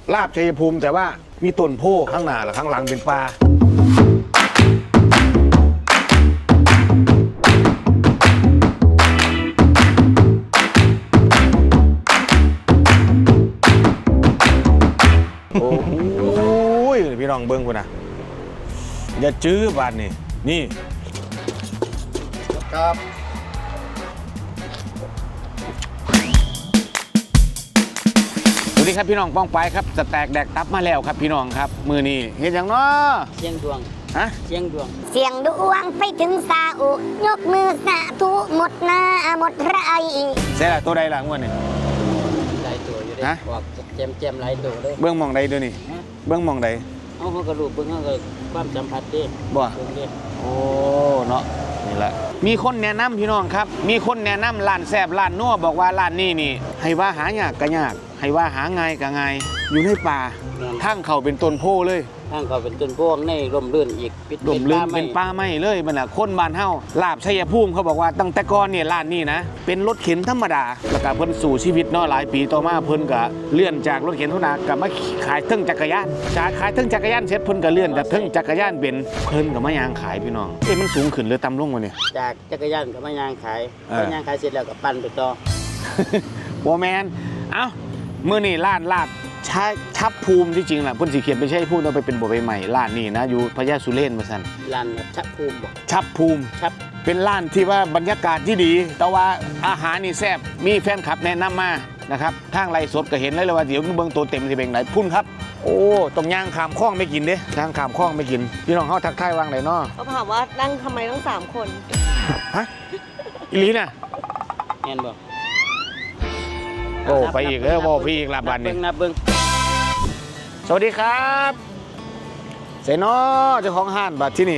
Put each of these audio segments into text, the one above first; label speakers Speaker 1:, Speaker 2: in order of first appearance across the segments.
Speaker 1: ลาบชัยภูมิแต่ว่ามีต้นโพข้างหน้าและข้างหลังเป็นป่าโอ้โหพี่น้องเบิ้งคุณนะอย่าจื้อบาดนี่ครับสวัสดีครับพี่น้องป้องไปครับสแต็กแดกตับมาแล้วครับพี่น้องครับมือนี้เห็นอย่างเนาะ
Speaker 2: เสียงดวง
Speaker 1: ฮะ
Speaker 2: เสียงดวง
Speaker 3: เสียงดวงไปถึงซาอุยกมือสาธุหมดหน้าหมดไร
Speaker 1: เสียละตัวใดล่ะงวดนี่
Speaker 2: หลายตัวอยู่ได้
Speaker 1: ฮะ
Speaker 2: บอกแจมหลายตัวเลย
Speaker 1: เบื้องมองใดดูนี่เบื้องมองใด
Speaker 2: เอาเขากระดูกเบิ่งเขาก็ความสัมผัสดิ
Speaker 1: บ่
Speaker 2: เบิ่งดิ
Speaker 1: โอ้เนาะนี่แหละมีคนแนะนำพี่น้องครับมีคนแนะนำร้านแซ่บร้านนัวบอกว่าร้านนี้นี่ให้ว่าหายากก็ยากให้ว่าหาง่ายก็ง่ายอยู่ในป่าทางเขาเป็นต้นโพเลย
Speaker 2: ทางเขาเป็นต้นพวงในร่มรื่นอีก
Speaker 1: ดมลื่นเป็นป่าไม้เลยมันน่ะคนบ้านเฮาลาบชัยภูมิเขาบอกว่าตั้งแต่ก่อนเนี่ยร้านนี้นะเป็นรถเข็นธรรมดาแล้วก็เพิ่นสู่ชีวิตเนาะหลายปีต่อมาเพิ่นก็เลื่อนจากรถเข็นธรรมดากลับมาขายเทิงจักรยานจากขายเทิงจักรยานเสร็จเพิ่นก็เลื่อนจากเทิงจักรยานเป็นเพิ่นก็มายางขายพี่น้องมันสูงขึ้นหรือต่ำลงวะเนี่ย
Speaker 2: จากจักรยานก็มายางขายมายางขายเสร็จแล้วก็ปั่นไปต่อ
Speaker 1: บ่แมนเอ้ามื้อนี้ร้านลาบชับภูมิที่จริงน่ะเพิ่นสิเขียนไม่ใช่พูดเอาไปเป็นบ่ใบใหม่ร้านนี้นะอยู่พญาสุเรนว่าซั่น
Speaker 2: ร้านชับภูมิบ่
Speaker 1: ชับภูมิ
Speaker 2: ชับ
Speaker 1: เป็นร้านที่ว่าบรรยากาศที่ดีแต่ว่าอาหารนี่แซ่บมีแฟนคลับแนะนำมานะครับทางไลฟ์สดก็เห็นเลยว่าเดี๋ยวเบิ่งตัวเต็มสิเป็นไหนพุ่นครับโอ้ต้องย่างขามคลองไม่กินเด้ย่างขามคลองไม่กินพี่น้องเฮาทักทายวางไหนเนาะ
Speaker 4: เขาถามว่านั่งทำไมต้อง3 คน
Speaker 1: ฮะอีหลีน่ะ
Speaker 2: แม่นบ่
Speaker 1: โอ้ไปอีกบ่พี่อีกลาบันนี่
Speaker 2: นับเบิ่ง
Speaker 1: สวัสดีครับเสนอเจ้าของห้านบัตรที่นี่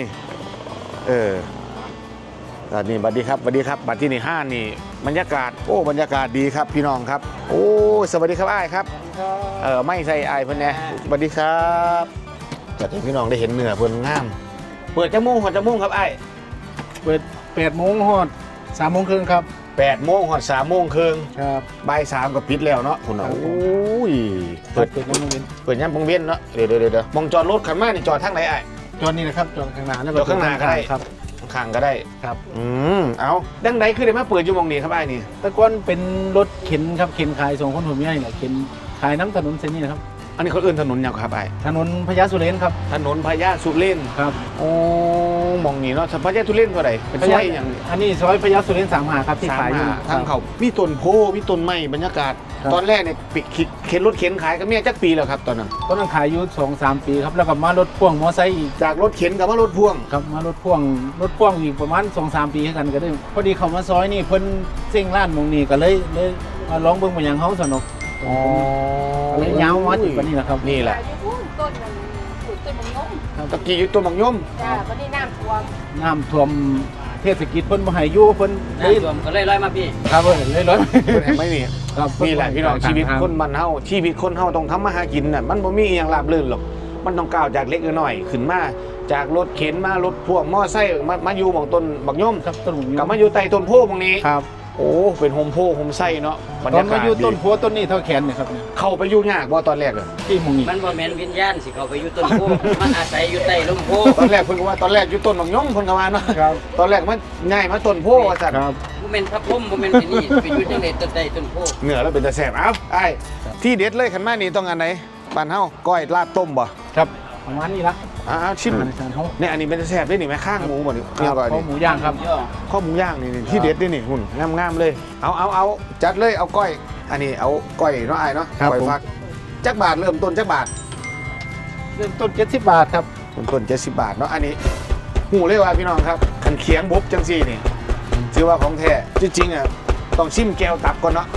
Speaker 1: บัตรนี้บัตรดีครับบัตรดีครับบัตรที่นี่ห้านนี่บรรยากาศโอ้บรรยากาศดีครับพี่น้องครับโอ้สวัสดีครับอ้ายครับไม่ใส่อ้ายเพิ่นแน่สวัสดีครับจัดให้พี่น้องได้เห็นเนื้อเพิ่นงามเปิดจังโมงหอดจังโมงครับอ้าย
Speaker 5: เปิด8 โมงฮอด3 โมงครึ่งครับ
Speaker 1: 8 โมงหอด3 โมงครึ่ง
Speaker 5: ครับ
Speaker 1: บ่าย 3ก็ปิดแล้วเนาะคุณโอ้ย
Speaker 5: เปิดน้ำมันเย็น
Speaker 1: เปิดย่ำปงเวียนเนาะเดี๋ยวมองจอดรถขันมานี่จอดทางไหนอ้าย
Speaker 5: จอดนี่นะครับจอดข้างหน้าแล้ว
Speaker 1: จอดข้างหน้าก็ได้
Speaker 5: ครับ
Speaker 1: ข้างก็ได้
Speaker 5: ครับ
Speaker 1: เอาดังใดคือได้มาเปิดอยู่มองนี้ครับไอ้นี่
Speaker 5: แต่ก่อนเป็นรถเข็นครับเข็นขายส่งคนหัวเมียนี่แหละเข็นขายน้ำถนนเส้นนี้นะครับ
Speaker 1: อันนี้เขาเอื้นถนนยังครับไอ้
Speaker 5: ถนนพญาสุเรนครับ
Speaker 1: ถนนพญาสุเรน
Speaker 5: ครับ
Speaker 1: โอ้มองนี่เนาะพญาสุเรนเท่าไหร่เป็นซอยอย่าง
Speaker 5: อันนี้ซอยพญาสุเรน35ครับที่ขายอยู่
Speaker 1: ทางเขามีต้นโพมีต้นไม้บรรยากาศ ตอนแรกเนี่ยปิดเข็นรถเข็นขายกับเมียจักปีแล้วครับตอนนั้น
Speaker 5: ตอนนั้นขายอยู่2-3 ปีครับแล้วก็มารถพ่วงมอไซค์อีก
Speaker 1: จากรถเข็นกับว่ารถพ่วง
Speaker 5: ครับมารถพ่วงอีกประมาณ2-3 ปีกันก็ได้พอดีเขามาซอยนี่เพิ่นเซ็งร้านมงนี้ก็เลยมาลองเบิ่งมาอย่างเฮาสนุก
Speaker 1: อ๋อ
Speaker 5: เลยยาวมาถึงวันนี้แหละครับ
Speaker 1: นี่แหละ
Speaker 4: ต้นมันปลูกต้นมะม่วง
Speaker 1: ตะกี้อยู่ต้นบักยม
Speaker 4: จ้าวันนี้น้ำท่วม
Speaker 5: น้ำท่วมเทศกิจเพิ่นบ่ให้อยู่เพิ่นเลย
Speaker 2: น้ำท่วมก็เลยลอยมาพี่
Speaker 5: ครับเพิ่นเลยร้อย
Speaker 1: เป็นแห่งไม่นี่
Speaker 5: ครับ
Speaker 1: นี่แหละพี่น้องชีวิตคนบ้านเฮาชีวิตคนเฮาต้องทำมาหากินน่ะมันบ่มีอหย่างราบรื่นหรอกมันต้องก้าวจากเล็กน้อยขึ้นมาจากรถเข็นมารถพ่วงมอไซค์มาอยู่หม่องต้นบักย่อม
Speaker 5: ครับต้นหมู
Speaker 1: กลับมาอยู่ใต้ต้นโพหม่องนี้
Speaker 5: ครับ
Speaker 1: โอ้เป็นโฮมโพโฮมไส้เนาะบรร
Speaker 5: ตอน
Speaker 1: ยากา
Speaker 5: มา
Speaker 1: ศ
Speaker 5: อยู่ต้น
Speaker 1: ดี
Speaker 5: พัวต้นนี้เท่าแขนเนี่ยครับเนี่ย
Speaker 1: เข้าไปอยู่ยากบ่ตอนแรกอะ
Speaker 5: ที่หมองนี้
Speaker 2: มันบ่แม่นวิญญาณสิเขาไปอยู่ต้นโพมันอาศัยอยู่ใต้ร่มโพ
Speaker 1: ตอนแรกเพิ่นก็ว่าตอนแรกอยู่ต้นบักย่อมเพิ่นก็ว่าเนาะ
Speaker 5: ครับ
Speaker 1: ตอนแรกมันง่ายมาต้นโพว่าซั่น
Speaker 5: ครับ
Speaker 2: บ่แม่นพระพรหมบ่แม่นที่นี่ไปอยู่จังได๋ต้นใดต้นโพ
Speaker 1: เนื้อแล้วเป็นตาแซ่บเอ้าไอ้ที่เด็ดเลยคันมานี่ต้องอันไหนบ้านเฮาก้อยลาบต้มบ่
Speaker 5: ครับประมาณนี้ละ
Speaker 1: ชิม
Speaker 5: อาหารเฮา
Speaker 1: เนี่ยอันนี้เป็นตาแซ่บด้วยนี่แม่ข้างหมูบ่นี่เนี่ยก่อน
Speaker 5: ข้าว
Speaker 1: นี่
Speaker 5: หมูย่างครับ
Speaker 2: ย่อ
Speaker 1: ข้อหมูย่างนี่ที่เด็ดด้วยนี่หุ่นงามๆเลยเอาจัดเลยเอาก้อยอันนี้เอาก้อยเนาะไอ้เนาะก้อยฟักจักบาทเริ่มต้นจักบาท
Speaker 5: เริ่มต้น70 บาทครับ
Speaker 1: ต้น70 บาทเนาะอันนี้หูเลยว่าพี่น้องครับขันเคียงบุบจังซี่นี่ถือว่าของแท้จริงๆอ่ะต้องชิมแก้วตับก่อนเนาะ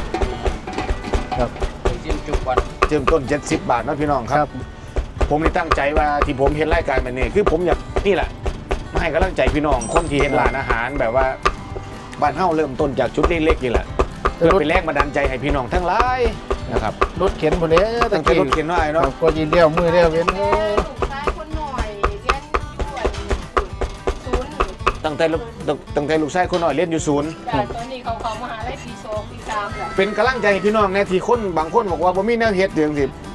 Speaker 2: เสียงจุกก่อน
Speaker 1: เริ่มต้น70 บาทเนาะพี่น้องครับผมนี่ตั้งใจว่าที่ผมเห็นรายการแบบนี้คือผมอยากนี่แหละมาให้กำลังใจพี่น้องคนที่เห็นร้านอาหารแบบว่าบ้านเฮาเริ่มต้นจากชุดเล็กๆนี่แหละเพื่อเป็นแรงบันดาลใจให้พี่น้องทั้งหลายนะครับ
Speaker 5: รถเข็นบ่เด้
Speaker 1: ตั้งแต่รถเข็นเนาะไอ้
Speaker 5: ครั
Speaker 1: เนาะ
Speaker 5: บก็ยินเลี้ยวมือเลี้ยวเว้น
Speaker 4: ลูกชายคนหน่อยเรียนด่วนศูนย์
Speaker 1: ตั้งแต่ลูกชายคนน้อยเรียนอยู่ศูนย์
Speaker 4: จ้าตอนนี้เขามหาลัยปี2ปี3แล้ว
Speaker 1: เป็นกำลังใจให้พี่น้องในที่คนบางคนบอกว่าบ่มีแนวเฮ็ดเดืองสิ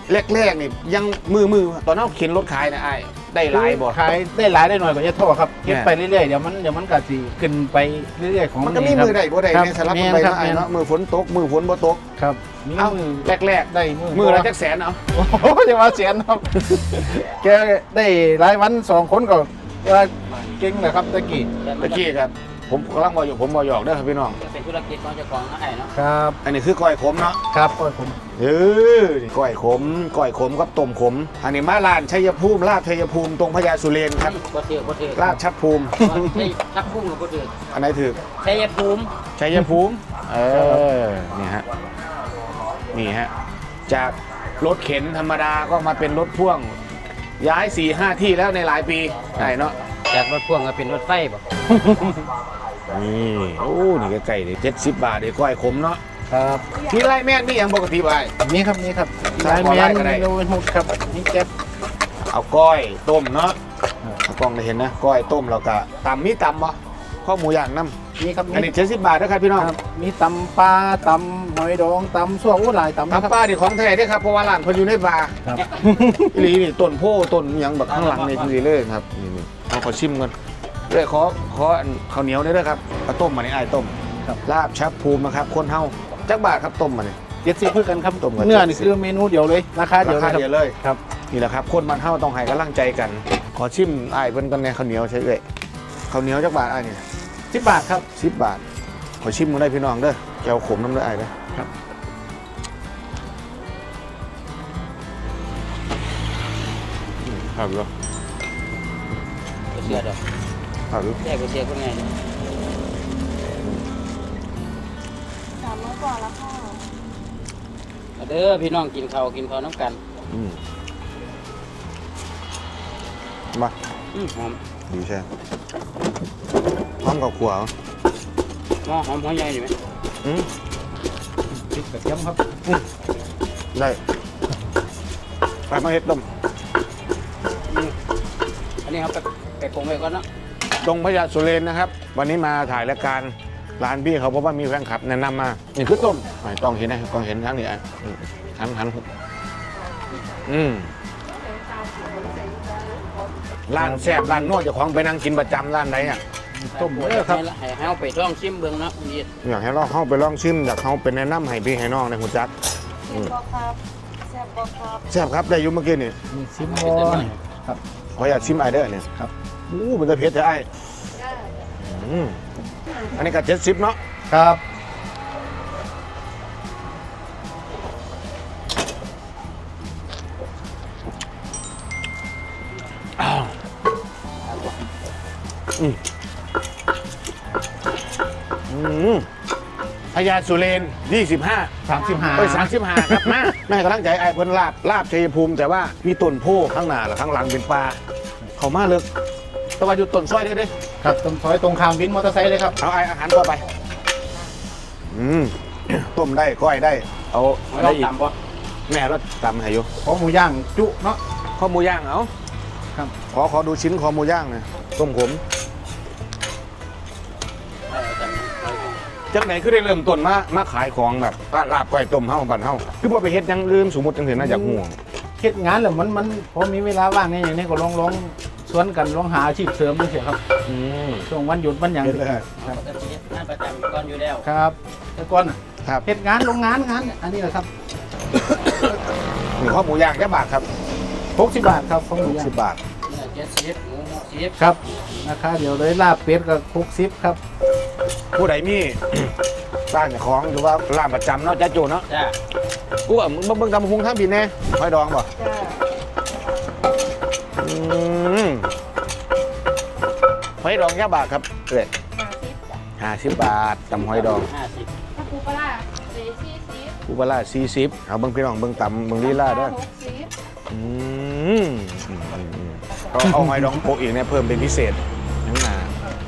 Speaker 1: แรกๆนี่ยังมือตอนนั้นเข็นรถขายนะไอ้ได้หลายบ่
Speaker 5: ขายได้หลายได้หน่อยกว่าจะโทษครับเก็บไปเรื่อยๆเดี๋ยวมันก็สิขึ้นไปเรื่อยๆของ
Speaker 1: มันก็มีมือได้บ่ได้ในสลับกันไปเนาะไอ้เนาะมือฝนตกมือฝนบ่ตก
Speaker 5: ครับมี
Speaker 1: เอ้า
Speaker 5: มือ
Speaker 1: แรก
Speaker 5: ได้
Speaker 1: ๆมือละจักแสนเอา
Speaker 5: โอ้โหจะมาเสียนครับ แกได้หลายวัน2 คนก็ว่าเก่งนะครับตะกี้
Speaker 1: ตะกี้ครับผมกำลังบอกอยู่ผมบอกหยอกเด้อครับพี่น้อง
Speaker 2: เป็นธุรกิจของเจ้าของนะไอ้เนาะ
Speaker 5: ครับ
Speaker 1: อันนี้คือก้อยขมเนาะ
Speaker 5: ครับก็ผม
Speaker 1: ก้อยขมกับต้มขมอันนี้มาลานชัยภูมิลาดชัยภูมิตรงพญาสุเรนครับ
Speaker 2: บ่ถือ
Speaker 1: ลาดชัดภูมิ
Speaker 2: ชักพุ่งกับบ่ถือ
Speaker 1: อันไหนถือ
Speaker 2: ชัยภูมิ
Speaker 1: ชัยภูมินี่ฮะนี่ฮะจากรถเข็นธรรมดาก็มาเป็นรถพ่วงย้าย 4-5 ที่แล้วในหลายปีไหนเนาะ
Speaker 2: จากรถพ่วงก็เป็นรถไฟบ่
Speaker 1: นี่โอ้นี่ใกล้ๆเลย70 บาทเดี๋ยวก้อยขมเนาะ
Speaker 5: ครับ
Speaker 1: มีไรแม่นมีอย่างปกติไป
Speaker 5: นี่ครับนี่ครับ
Speaker 1: ได้
Speaker 5: ลาย
Speaker 1: ขอ
Speaker 5: แม
Speaker 1: ลาย
Speaker 5: น
Speaker 1: ก็ได้
Speaker 5: โดนหุดครับนี่แก๊บ
Speaker 1: เอาก้อยต้มเนาะเอากล้องได้เห็นนะก้อยต้มแล้วก็ตำมีตำบ่ข้าวหมูย่างน้ำ
Speaker 5: นี่ครับ
Speaker 1: อันนี้70 บาทนะครับพี่น้อง
Speaker 5: ครับมีตำปลาตำหอยดองตำซั่วอู้หลายตำนะครับ
Speaker 1: ตำป้าดิของแท้เด้อครับเพราะว่าร้านเพิ่นอยู่ในป่า
Speaker 5: ครับ
Speaker 1: อีหลีนี่ต้นโพต้นหยังแบบข้างหลังนี่จริงๆเลยครับนี่เอาขอชิมก่อนเลยขอข้าวเหนียวได้ด้วยครับเอาต้มมาในไอ้ายต้ม
Speaker 5: ครับ
Speaker 1: ลาบชับภูมินะครับคนเฮาจักบาทครับต้มมาเนี่ย
Speaker 5: 70เพื่อกันครับ
Speaker 1: ต้มกับ
Speaker 5: เนื้อนี่คือเมนูเดียวเลยราคาเดียว
Speaker 1: ราคา
Speaker 5: เลย
Speaker 1: เดียวเลย
Speaker 5: ครับ
Speaker 1: นี่แหละครับคนบ้านเฮาต้องให้กำลังใจกัน ขอชิมไอ้ายเพิ่นกันในข้าวเหนียวใช่เอ้ยข้าวเหนียวจักบาทไอ้ายเนี่ย
Speaker 5: 10 บาทครับ
Speaker 1: 10 บาทขอชิมกันได้พี่น้องเด้อแก้วขมน้ำเด้อไอ้ายเด้อ
Speaker 5: ครับ
Speaker 1: ครับอยู่
Speaker 2: บ่เชื่อดอก
Speaker 1: ครับอยู่
Speaker 2: แค่บ่เชื่อคนไง
Speaker 4: 3 มื้อก่อนแล้วค่ะ
Speaker 2: เด้อพี่น้องกินข้าวน้ำกัน
Speaker 1: อืมมา
Speaker 2: หอม
Speaker 1: ดีใช่พร้อมกับขัวเหรอ
Speaker 2: หอมใหญ่อยู่ไหม
Speaker 1: อืม
Speaker 5: พริกกระเทียมครับ
Speaker 1: ได้ไปมาเฮ็ดต้ม
Speaker 2: อันนี้ครับไปปรุงไว้ก่อนเนาะ
Speaker 1: ตรงพญาสุเรนนะครับ วันนี้มาถ่ายรายการร้านพี่เขาเพราะว่ามีแฟนคลับแนะนำมานี่คือต้มไม่ต้องเห็นนะต้องเห็นทั้งนี้อ่ะหันร้านแซ่บร้านนวดเจ้าของไปนั่งกินประจำร้านไหนอ่ะ
Speaker 5: ต้มเด้อครับ
Speaker 2: ให้เฮาไปลองชิมเบิ่งเนาะนี่
Speaker 1: อยากให้เราเข้าไปลองชิมอยากเขาเป็นแนะนำให้พี่ให้น้องในหุ่นจัก
Speaker 4: แซ่บบ่ครับแซ่บบ่ครับ
Speaker 1: แซ่บครับได้อยุ่เมื่อกี้นี่
Speaker 5: มีซิมบอลครับ
Speaker 1: ขออยากชิมไอเดอร์เนี่ย
Speaker 5: ครับ
Speaker 1: มันจะเผ็ดจะไออันนี้ก็70เนาะ
Speaker 5: ครับ
Speaker 1: พญาสุเรน25
Speaker 5: 35
Speaker 1: เอ้ย35ครับมาแม่กำลังใจไอ้เพิ่นลาบชัยภูมิแต่ว่ามีต้นโพข้างหน้าหรือข้างหลังเป็นปลาเขามาเลิกแตะวันอยู่ต้นซอยได้เด้
Speaker 5: ครับตรงซอยตรงข้ามวินมอเตอร์ไซค์เลยครับ
Speaker 1: เอาไอ้อาหารเข้าไปต้มได้ก้อยได้ เอาอะไร
Speaker 2: เรา
Speaker 1: อีก
Speaker 2: ตำบ่
Speaker 1: แม่เราตำให้อยู่
Speaker 5: ขอหมูย่างจุเนาะ
Speaker 1: ข้อหมูย่างเอา
Speaker 5: ครับ
Speaker 1: ขอดูชิ้นคอหมูย่างหน่อยต้มขมจากไหนคือได้เริ่มต้นมาขายของแบบลาบก้อยต้มเฮาบันเฮาคือพอไปเฮ็ดอยังลืมสมมุติจังเห็นน่าจากห่วง
Speaker 5: เฮ็ดงานแล้วมันพอมีเวลาว่างเนี่ยอย่างนี้ก็ลองสวนกันลองหาอาชีพเสริมดูเสียครับช่วงวันหยุดวันหยัง
Speaker 1: เฮ็ดเลย
Speaker 2: ปกติงานประจำก่อนอยู่แล้ว
Speaker 5: ครับแต่ก่อนน่ะ
Speaker 1: ครับ
Speaker 5: เฮ็ดงานโรงงานอันนี้แหละครับ
Speaker 1: นี่ข้อหมูย่างแค่บาทครับ
Speaker 5: 60 บาทครับของหมูย่าง
Speaker 1: 10 บาท
Speaker 2: เนื้อ70หมู60
Speaker 5: ครับราคาเดียวเลยลาบเป็ดก็60ครับ
Speaker 1: ผู้ใดมี ร้านของหรือว่าร้านประจำเนาะจ้าโจเนาะ
Speaker 2: จ้า
Speaker 1: กูว่ามึงเบิ่งตำพุงทั้งปีแน่หอยดองบ่
Speaker 4: จ้า
Speaker 1: หอยดองแค่บาทครับเอ้ย
Speaker 4: 50
Speaker 1: 50 บาทตำหอยดอง
Speaker 2: 50
Speaker 4: ถ้าปูปลาร้า40
Speaker 1: กูบาล่า40เอาเบิ่งพี่น้องเบิ่งตำเบิ่งลีลาเด้อ
Speaker 4: 60
Speaker 1: อืมเอาหอยดองโปะอีกเนี่ยเพิ่มเป็นพิเศษทั้งหนา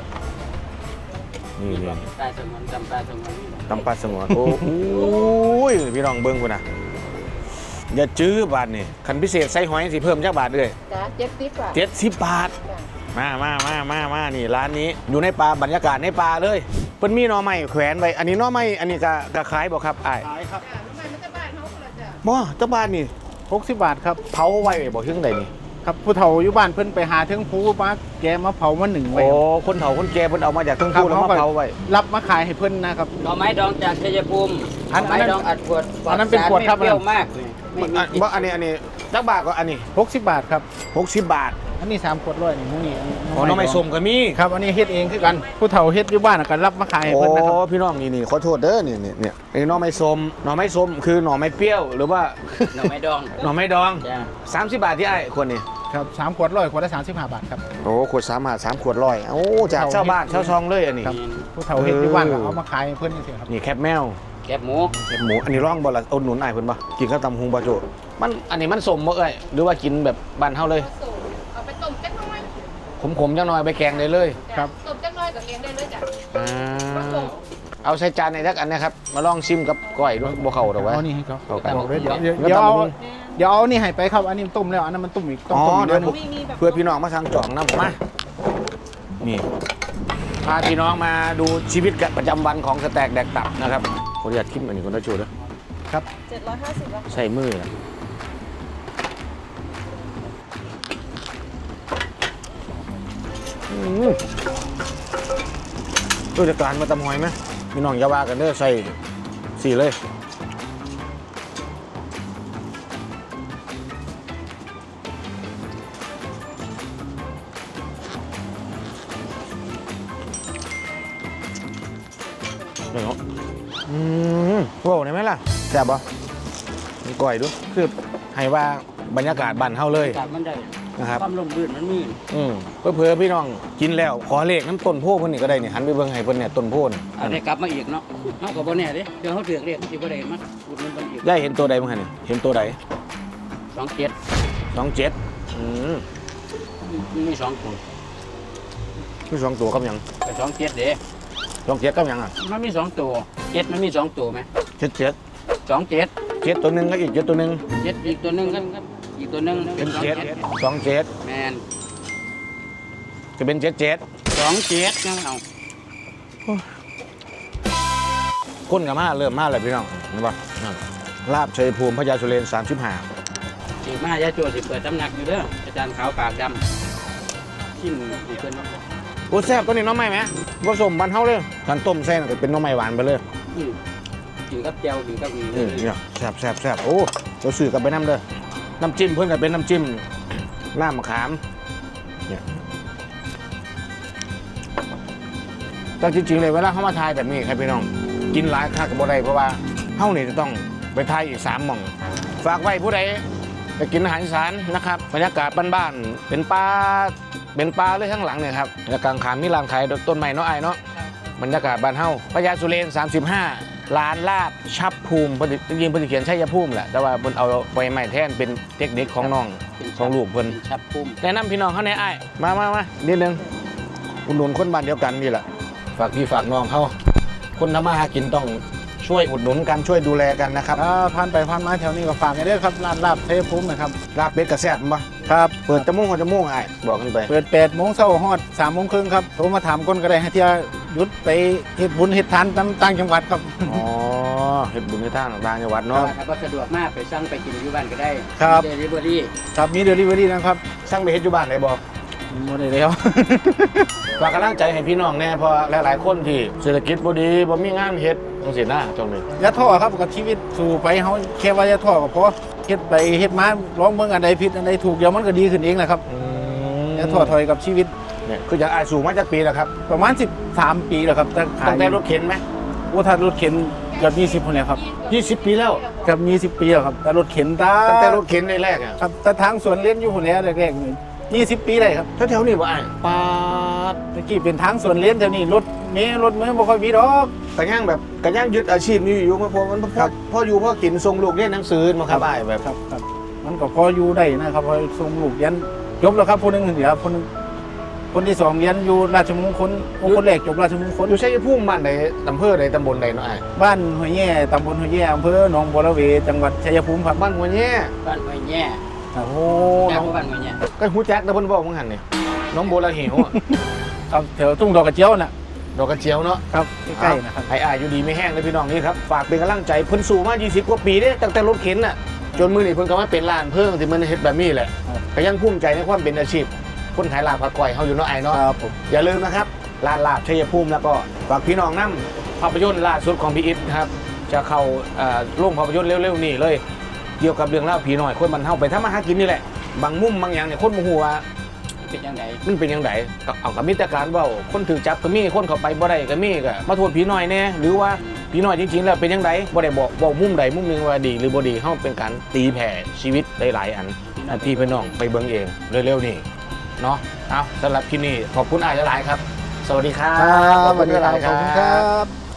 Speaker 1: นี่
Speaker 2: นี่
Speaker 1: นี่
Speaker 2: ตายสมวนจำตายสมวน
Speaker 1: ตำปลาสงวนโอ้ยพี่น้องเบิ่งกูนะอย่าจื้อบาทนี่คันพิเศษใส่หอยสิเพิ่มจักบาทเลย
Speaker 4: จ้า70 บาท
Speaker 1: 70 บาท มานี่ร้านนี้อยู่ในป่าบรรยากาศในป่าเลยเพิ่นมีหน่อไม้แขวนไว้อันนี้หน่อไม้อันนี้ก็ขายบ่ครับอ้าย
Speaker 5: ขายครับ
Speaker 4: จ้าทำไมมันจะบ้านเฮาคนละจ้า
Speaker 1: บ่เจ้าบ้านนี่
Speaker 5: 60 บาทครับ
Speaker 1: เผาไว้บ่ถึงใดนี่
Speaker 5: ครับผู้เฒ่าอยู่บ้านเพิ่นไปหาเทิงภูมาแกมาเผามาหนึ่งไว้
Speaker 1: โอ้คนเฒ่าคนแก่เพิ่นเอามาจากเทั้ง
Speaker 5: ครับ
Speaker 1: ผู้แล้วมาเผาไว้
Speaker 5: รับมาขายให้เพิ่นนะครับ
Speaker 2: หน่อไม้ดองจากชัยภูมิห
Speaker 5: อั
Speaker 2: น่อน ไม้ดองอัดขวด
Speaker 5: อันนั้นเป็นขวดครับ
Speaker 2: ไม่เปรี้ยวมากเลยไม่มีกลิ่น
Speaker 1: บ่อันนี้จักบาทก็อันนี้
Speaker 5: 60 บาทครับ
Speaker 1: 60 บาท
Speaker 5: อันนี้3ขวดร้อยนี่หมูนี่
Speaker 1: อ๋อน้องไม่ส้มก็มี
Speaker 5: ครับอันนี้เฮ็ดเองคือกันผู้เฒ่าเฮ็ดอยู่บ้านก็รับมาขายให้
Speaker 1: โอ้
Speaker 5: เพิ่นนะครับ
Speaker 1: พี่น้องนี่ขอโทษเด้อนี่ไอ้หน่อไม้ส้มคือหน่อไม้เปรี้ยวหรือว่า
Speaker 2: หน่อไม้ดอง
Speaker 1: หน่อไม้ดอง
Speaker 2: จ้า
Speaker 1: 30 บาทที่ไอ้คนนี่
Speaker 5: ครับ3ขวดร้อยขวดละ35 บาทครับ
Speaker 1: โอ้ขวด3 ขวดร้อยโอ้จากเช่าบ้านเช่าซองเลยอันนี้
Speaker 5: ครับผู้เฒ่าเฮ็ดอยู่บ้านก็เอามาขายให้เพิ่นจังซี่ครับ
Speaker 1: นี่แคบแมว
Speaker 2: แคบหมู
Speaker 1: แคบหมูอันนี้ร่องบ่ละเอาหนุนไอ้ายเพิ่นบ่กินข้าวตำหุงบ่โจมันอันนี้มันสมบ่เอ้ยหรือว่ากินแบบบ้านเฮาเลย
Speaker 4: เอาไปต้มจักหน้อย
Speaker 1: ขมๆจังหน่อยไปแกงได้เลย
Speaker 5: ครับ
Speaker 4: ต้มจักหน้อยกับเลี้ยงได้เลยจ้ะ
Speaker 1: อ่าเอาใส่จานในทักอันนะครับมาลองชิมกับก้อยด้วยบ่เข้าดอกวะ
Speaker 5: เอานี่ให้เขา
Speaker 1: เอากัน
Speaker 5: บอกเลยเดี๋ยว
Speaker 1: แล้ว
Speaker 5: เดี๋ยว
Speaker 1: ตำ
Speaker 5: เอา
Speaker 1: บักหุ่ง
Speaker 5: เดี๋ยวเอานี่ให้ไปครับอันนี้มันต้มแล้วอันนั้นมันต้มอีกต้อง
Speaker 1: อ๋อ
Speaker 5: ต้มอีก
Speaker 1: เดี๋ยว
Speaker 5: นึง
Speaker 1: เพื่อพี่น้องมาสั่งจองน้ำมานี่พาพี่น้องมาดูชีวิตประจำวันของสแต็กแดกตับนะครับขออนุญาตคิดอันนี้คนละจูด้วย
Speaker 5: ครับ
Speaker 4: 750แล้ว
Speaker 1: ใส่มือนะรู้จักการมาตำหอยไหมพี่น้องอย่าว่ากันเด้อใส่สี่เลยเดี๋ยวว้าวได้ไหมล่ะแซ่บปะมีก่อยด้วยคือให้ว่าบรรยากาศบ้านเฮาเลย
Speaker 2: อากาศมันได้
Speaker 1: นะครับ
Speaker 2: ความลมลื่นมันมี
Speaker 1: เพื่อพี่น้องกินแล้วขอเลขน้ำต้นโพเพิ่นนี่ก็ได้นี่หันไปเบิ่งให้เพิ่นเนี่ยต้นโพน
Speaker 2: เอาได้กลับมาอีกเนาะเฮาก็บ่แน่เด้เดี๋ยวเฮาเถือกเรียกสิบ่ได้มาอุดหนุนเพิ่นอีก
Speaker 1: ได้เห็นตัวใดบ้างนี่เห็นตัวใด
Speaker 2: 27
Speaker 1: 27
Speaker 2: มี2ตัว
Speaker 1: มีสองตัวกับหยัง
Speaker 2: แต่27เด้
Speaker 1: 27กับหยังอ่ะ
Speaker 2: มันมี2ตัว7มันมี2ตัวไหม
Speaker 1: 77
Speaker 2: 27
Speaker 1: 7ตัวหนึงก็อีก7ตัวหนึง
Speaker 2: 7อีกตัวหนึงกันครับอีกตัวหนึง
Speaker 1: เป็น7 27
Speaker 2: แม่น
Speaker 1: จะเป็น77
Speaker 2: 27ยังเอา
Speaker 1: คนกับมาเริ่มมาแล้วพี่น้องเห็นป่ะลาบชัยภูมิพญาสุเรน35
Speaker 2: สิมายาโจสิเปิดตำหนักอยู่เด้ออาจารย์ขาวปากดำชิมอีกเพิ่นเนาะ
Speaker 1: โอ้แซ่บตัวนี้น้องใหม่ไหมผสมบ้านเฮาเลยการต้มแซ่บก็เป็นน้องใหม่หวานไปเลย
Speaker 2: กินกับแจ่วกินกับอี
Speaker 1: เนี่ยแซ่บโอ้เราสื่อกับไปน้ำเด้อน้ำจิ้มเพื่อนกับเป็นน้ำจิ้มหน้ามะขามเนี่ยแต่จริงๆเลยเวลาเขามาทายแบบนี้ครับพี่น้องกินหลายค่ากับบ่ได้เพราะว่าเฮานี่จะต้องไปทายอีก3หม่องฝากไว้ผู้ใดไปกินอาหารอีสานนะครับบรรยากาศบ้านๆเป็นปลาเลยข้างหลังเนี่ยครับแล้วกลางขามมีร้านขายต้นไม้เนาะไอ้เนาะบรรยากาศบ้านเฮาพญาสุเรน35 ร้านลาบชับภูมิจริงๆเพิ่นเขียนชัยภูมิแหละแต่ว่าเพิ่นเอาใบไม้แทนเป็นเทคนิคของน้องของลูกเพิ่น
Speaker 2: ชับปุ้ม
Speaker 1: แนะนำพี่น้องเขาในไอ้ายมานิดนึงอุดหนุนคนบ้านเดียวกันนี่แหละฝากพี่ฝากน้องเขาคนทำมาหากินต้องช่วยอุดหนุนกันช่วยดูแลกันนะครับ
Speaker 5: ผ่านไปผ่านมาแถวนี้ก็ฝากกันด้วยครับร้านลาบเทพภูมินะครับ
Speaker 1: ลาบเป็ดกระแซ่บมั้ย
Speaker 5: ครับ
Speaker 1: เปิดจมูกหัวจมูกไอ้ายบอกกันไป
Speaker 5: เปิด8โมงเช้าฮอด3โมงครึ่งครับโทรมาถามคนก็ได้ให้เที่ยวหยุดไปเฮ็ดบุญเฮ็ดทานตามต่างจังหวัดครับ
Speaker 1: อ๋อเฮ็ดบุญในทางต่างจังหวัดเนาะ
Speaker 2: ถ้าสะดวกมากไปสั่งไปกินอยู่บ้านก็ได้
Speaker 5: ครับ
Speaker 2: เดลิเวอรี่
Speaker 5: ครับมีเดลิเวอรี่นะครับ
Speaker 1: สร้างไปเฮ็ดอยู่บ้านได้บ่
Speaker 5: บ่ได้แล้ว
Speaker 1: ฝากกำลังใจให้พี่น้องแน่เพราะหลายๆคนที่เศรษฐกิจบ่ดีบ่มีงานเฮ็ดจังซี่นะตรงนี้
Speaker 5: อย่าท้อครับกับชีวิตสู่ไปเฮาแค่ว่าอย่าท้อก็พอเฮ็ดไปเฮ็ดมาลองเบิ่งอันใดผิดอันใดถูกเดี๋ยวมันก็ดีขึ้นเองแหละครับอย่าท้อถอยกับชีวิต
Speaker 1: เนี่ยคืออย่างอ้ายสูงมาจากปีแล้วครับ
Speaker 5: ประมาณ13ปีแล้วครับแต่ขาย
Speaker 1: ตั้งแต่รถเข็นไหม
Speaker 5: โอ้ถ้ารถเข็นเกือบ20พุ่นแล้วครับ
Speaker 1: 20 ปีแล้ว
Speaker 5: เกือบ20ปีแล้วครับแต่รถเข็นตา
Speaker 1: ตั้งแต่รถเข็นแรกๆอ่ะ
Speaker 5: ครับแต่ทางสวนเล่นอยู่พุ่นแล้วแรกๆนี่20 ปีได้ครับ
Speaker 1: แถวๆนี้บ่อ้ายปาด
Speaker 5: ตะกี้เป็นทางสวนเล่นแถวนี้รถเมล์รถเมล์บ่ค่อยมีดอก
Speaker 1: กระย่างแบบกระย่างยึดอาชีพนี้อยู่มาพอมันพ่ออยู่พ่อกินส่งลูกเรียนหนังสือมาครับอ้ายแบบ
Speaker 5: ครับมันก็พออยู่ได้นะครับพอส่งลูกเรียนจบแล้วครับคนหนึงเดี๋ยวคนที่2เรียนอยู่ราชมงคลคนแรกจบราชมงคล
Speaker 1: อยู่ชัยภูมิบ้านใดอำเภอใดตำบลใดเนาะอ้าย
Speaker 5: บ้านห้วยแย่ตำบลห้วยแย่อำเภอหนองบัวระเวจังหวัดชัยภูมิครับ
Speaker 1: บ้านหัวแย่
Speaker 2: บ้านไว้แย่
Speaker 1: โอ้โห
Speaker 2: แย่
Speaker 1: น้อง
Speaker 2: บ้านไว้แย่
Speaker 1: ก็ฮู้จักแต่เพิ่นบอกว่าหั่นนี่น้องโบราหิวอะ
Speaker 5: ครับแถวทุ่งดอกกระเจียวน่ะ
Speaker 1: ดอกกระเจียวเนาะ
Speaker 5: ครับใกล้ๆนะครับ
Speaker 1: ให้อ้ายอยู่ดีไม่แห้งเลยพี่น้องนี่ครับฝากเป็นกำลังใจเพิ่นสู่มา20กว่าปีเด้ตั้งแต่รถเข็นน่ะจนมื้อนี้เพิ่นก็มาเป็นร้านเพิ่งที่มันเฮ็ดแบบนี้แหละก็ยังภูมิใจในความเป็นอาชีพคนขายลาบผัดก้อยเฮาอยู่เนาะไอ้เนาะ
Speaker 5: ครับผม
Speaker 1: อย่าลืมนะครับร้านลาบชัยภูมิแล้วก็ฝากพี่น้องนำภาพยนตร์ล่าสุดของพี่อิทนะครับจะเข้าโรงภาพยนตร์เร็วๆนี่เลยเกี่ยวกับเรื่องเล่าวผีน้อยคนมันเฮาไปทำมาหากินนี่แหละบางมุมบางอย่างเนี่ยคนบ่ฮู้ว่า
Speaker 2: เป็นยังไง
Speaker 1: มันเป็นยังไงเอากับมิตรการเว่าคนถือจับก็มีคนเข้าไปบ่ได้ก็มีก็มาโทษผีน้อยแน่หรือว่าผีน้อยจริงๆแล้วเป็นยังไงบ่ได้บอกมุมใดมุมหนึงว่าดีหรือบ่ดีเฮาเป็นการตีแผ่ชีวิตหลายๆอันที่พี่น้องไปเบิ่งเองเร็วๆนี่เนาะเอาสำหรับที่นี่ขอบคุณอ้ายหลายๆครับ สวัสดีครับ
Speaker 5: ครับสวัสดี
Speaker 1: ห
Speaker 5: ครั
Speaker 1: ลา
Speaker 5: บ
Speaker 1: ยๆ
Speaker 5: ขอบคุณครับ